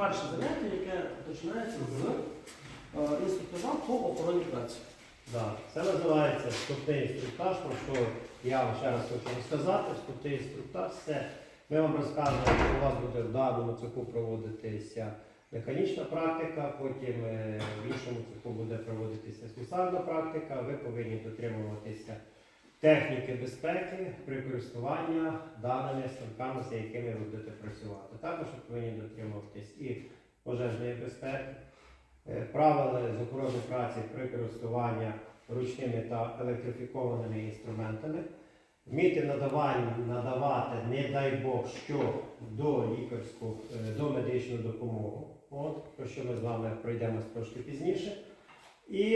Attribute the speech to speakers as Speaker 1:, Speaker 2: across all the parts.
Speaker 1: перше заняття, яке починається з інструктажа по охороні праці.
Speaker 2: Да. Це називається вступний інструктаж, про що я вам ще раз хочу розказати. Вступний інструктаж – це ми вам розказуємо, що у вас буде в даному цеху проводитися механічна практика, потім в іншому цеху буде проводитися слюсарна практика. Ви повинні дотримуватися техніки безпеки при користуванні даними станками, з якими ви будете працювати. Також ви повинні дотримуватись і пожежної безпеки, правила з охорони праці при користуванні ручними та електрифікованими інструментами, вміти надавати, не дай Бог, що до медичну допомогу, про що ми з вами пройдемо трошки пізніше, і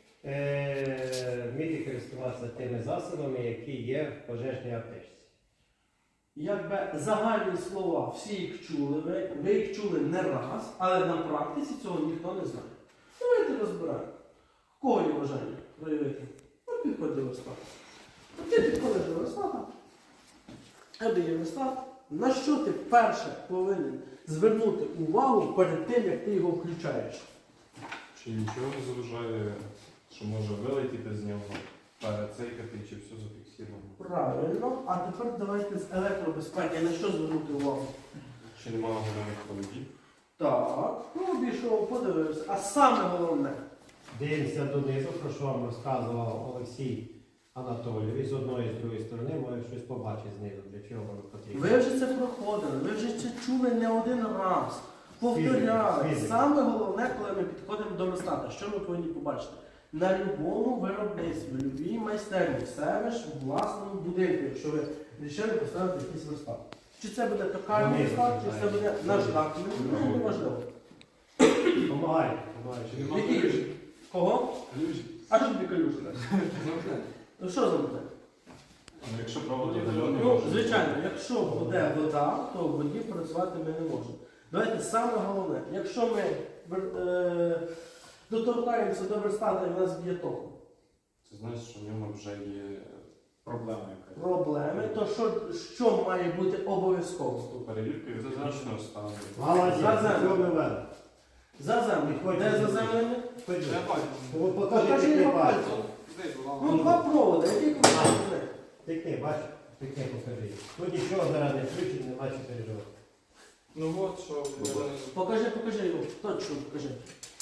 Speaker 2: вміти користуватися тими засобами, які є в пожежній аптечці.
Speaker 1: Якби загальні слова, всі їх чули, ви їх чули не раз, але на практиці цього ніхто не знає. Давайте розбираємо. В кого є бажання проявити? Ну, підходь до верстата. Ти підходиш до верстата, є верстат. На що ти перше повинен звернути увагу перед тим, як ти його включаєш?
Speaker 3: Чи нічого не заважає, що може вилетіти з нього, перецейкати, чи все зафіксировано?
Speaker 1: Правильно. А тепер давайте з електробезпеки. На що звернути увагу?
Speaker 3: Чи немає головних холодів?
Speaker 1: Так, ну обійшов, подивився. А саме головне.
Speaker 2: Дивимося донизу, про що вам розказував Олексій Анатолійович. З одної і з другої сторони, може щось побачити знизу, для чого воно потрібно.
Speaker 1: Ви вже це проходили, ви вже це чули не один раз. Повторяли.
Speaker 2: Фізика.
Speaker 1: Саме головне, коли ми підходимо до верстата, що ми повинні побачити? На будь-якому виробництві, в будь-якій майстерні, в себе ж в власному будинку, якщо ви вирішили поставити якийсь верстат. Чи це буде токарний верстат, чи це буде наждак, ну, не важливо.
Speaker 2: Помагайте.
Speaker 1: Які калюжі? Кого?
Speaker 3: Калюжі.
Speaker 1: А що тобі калюжі? Ну що за вода?
Speaker 3: Ну, якщо проводи удалений,
Speaker 1: Ну, звичайно, якщо буде вода, то в воді працювати ми не можемо. Давайте саме головне, якщо ми доторкаємося до верстата і в нас б'є током
Speaker 3: це значить, що в ньому вже є проблема якась.
Speaker 1: проблеми, то що має бути обов'язково?
Speaker 3: Перевірка технічного стану.
Speaker 2: Молодець, цього ми вели.
Speaker 1: Заземлення. Де заземлення?
Speaker 2: Покажи, який пальці.
Speaker 1: Ну, два проводи, які проводи?
Speaker 2: Тикни, бачиш? Тикни, покажи. Тут нічого зараз не включить, нема що переживати.
Speaker 3: Ну от що.
Speaker 1: Покажи його, точно покажи.